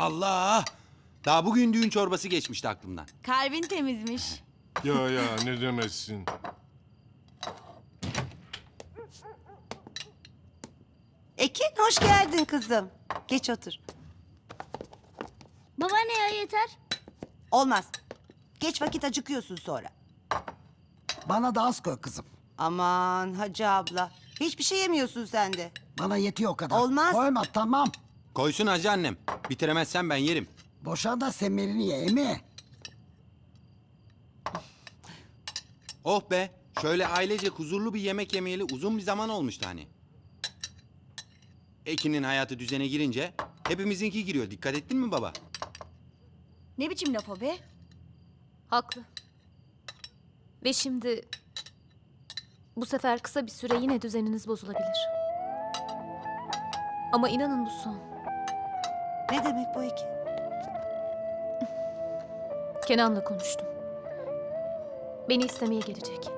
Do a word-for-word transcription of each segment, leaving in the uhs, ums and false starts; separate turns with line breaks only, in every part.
Allah! Daha bugün düğün çorbası geçmişti aklımdan.
Kalbin temizmiş.
Ya ya ne demezsin.
Ekin hoş geldin kızım. Geç otur.
Babaanne ya yeter.
Olmaz. Geç vakit acıkıyorsun sonra.
Bana da az koy kızım.
Aman Hacı abla. Hiçbir şey yemiyorsun sen de.
Bana yetiyor o kadar.
Olmaz.
Koyma tamam.
Koysun hacı annem. Bitiremezsen ben yerim.
Boşan da semerini ye emi.
Oh be! Şöyle ailece huzurlu bir yemek yemeyeli uzun bir zaman olmuştu hani. Ekin'in hayatı düzene girince hepimizinki giriyor. Dikkat ettin mi baba?
Ne biçim laf o be?
Haklı. Ve şimdi bu sefer kısa bir süre yine düzeniniz bozulabilir. Ama inanın bu son.
Ne demek bu Ekin?
Kenan'la konuştum. Beni istemeye gelecek.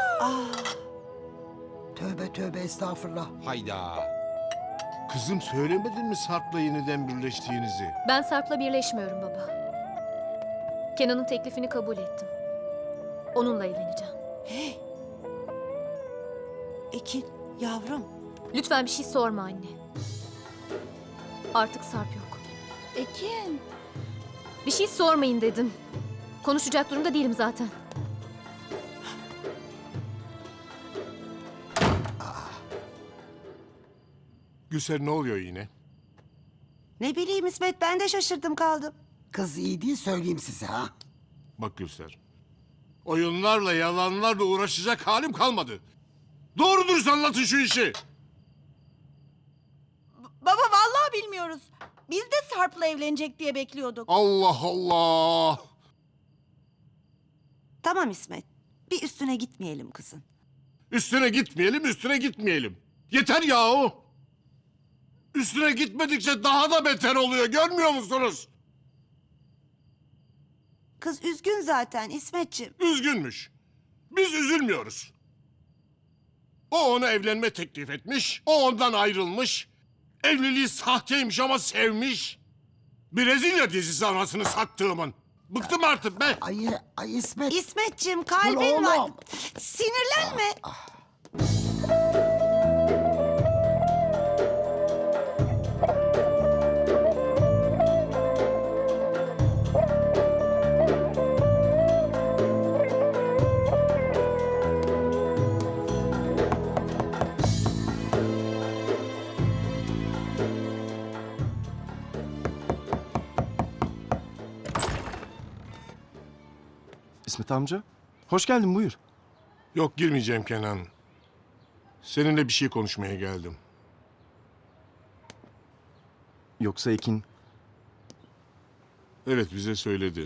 Tövbe tövbe estağfurullah.
Hayda!
Kızım söylemedin mi Sarp'la yeniden birleştiğinizi?
Ben Sarp'la birleşmiyorum baba. Kenan'ın teklifini kabul ettim. Onunla evleneceğim.
Ekin yavrum.
Lütfen bir şey sorma anne. Artık Sarp yok.
Ekin.
Bir şey sormayın dedim. Konuşacak durumda değilim zaten.
Gülser ne oluyor yine?
Ne bileyim İsmet, ben de şaşırdım kaldım.
Kız iyi değil söyleyeyim size ha.
Bak Gülser. Oyunlarla yalanlarla uğraşacak halim kalmadı. Doğru dürüst anlatın şu işi.
Baba vallahi bilmiyoruz. Biz de Sarp'la evlenecek diye bekliyorduk.
Allah Allah.
Tamam İsmet. Bir üstüne gitmeyelim kızın.
Üstüne gitmeyelim, üstüne gitmeyelim. Yeter yahu. Üstüne gitmedikçe daha da beter oluyor. Görmüyor musunuz?
Kız üzgün zaten İsmetciğim.
Üzgünmüş. Biz üzülmüyoruz. O ona evlenme teklif etmiş. O ondan ayrılmış. Evliliği sahteymiş ama sevmiş. Brezilya dizisi anasını sattığımın. Bıktım artık be.
Ay, ay İsmet.
İsmetciğim
Dur
kalbin var.
oğlum.
Sinirlenme.
İsmet amca, hoş geldin buyur.
Yok girmeyeceğim Kenan. Seninle bir şey konuşmaya geldim.
Yoksa Ekin,
Evet bize söyledi.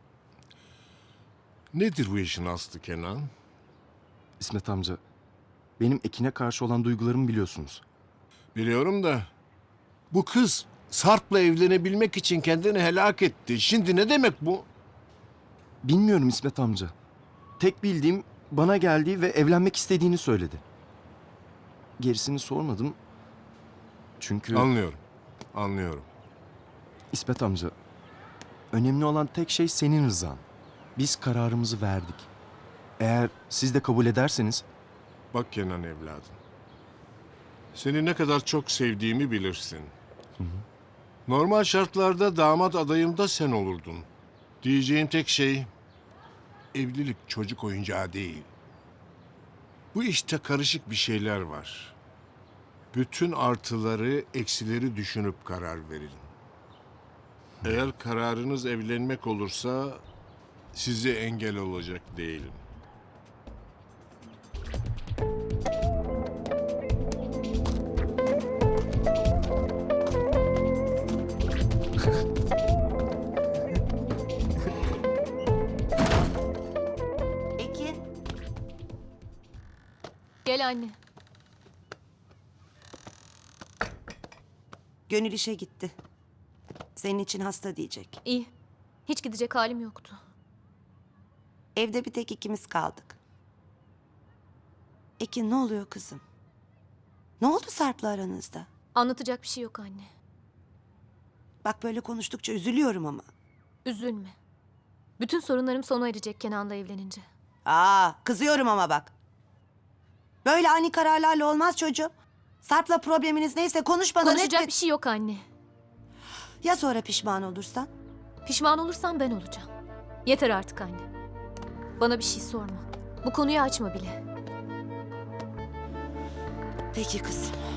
Nedir bu işin aslı Kenan?
İsmet amca, benim Ekin'e karşı olan duygularımı biliyorsunuz.
Biliyorum da bu kız Sarp'la evlenebilmek için kendini helak etti. Şimdi ne demek bu?
Bilmiyorum İsmet amca. Tek bildiğim bana geldi ve evlenmek istediğini söyledi. Gerisini sormadım. Çünkü
Anlıyorum. Anlıyorum.
İsmet amca, önemli olan tek şey senin rızan. Biz kararımızı verdik. Eğer siz de kabul ederseniz
Bak Kenan evladım. Seni ne kadar çok sevdiğimi bilirsin. Normal şartlarda damat adayım da sen olurdun. Diyeceğim tek şey, evlilik çocuk oyuncağı değil. Bu işte karışık bir şeyler var. Bütün artıları, eksileri düşünüp karar verin. Eğer kararınız evlenmek olursa size engel olacak değilim.
Ekin.
Gel anne.
Gönül işe gitti. Senin için hasta diyecek.
İyi. Hiç gidecek halim yoktu.
Evde bir tek ikimiz kaldık. Ekin ne oluyor kızım? Ne oldu Sarp'la aranızda?
Anlatacak bir şey yok anne.
Bak böyle konuştukça üzülüyorum ama.
Üzülme. Bütün sorunlarım sona erecek Kenan'la evlenince.
Aa, kızıyorum ama bak. Böyle ani kararlarla olmaz çocuğum. Sarp'la probleminiz neyse konuş bana.
Konuşacak
net-
bir şey yok anne.
Ya sonra pişman olursan?
Pişman olursan ben olacağım. Yeter artık anne. Bana bir şey sorma. Bu konuyu açma bile.
Peki kızım.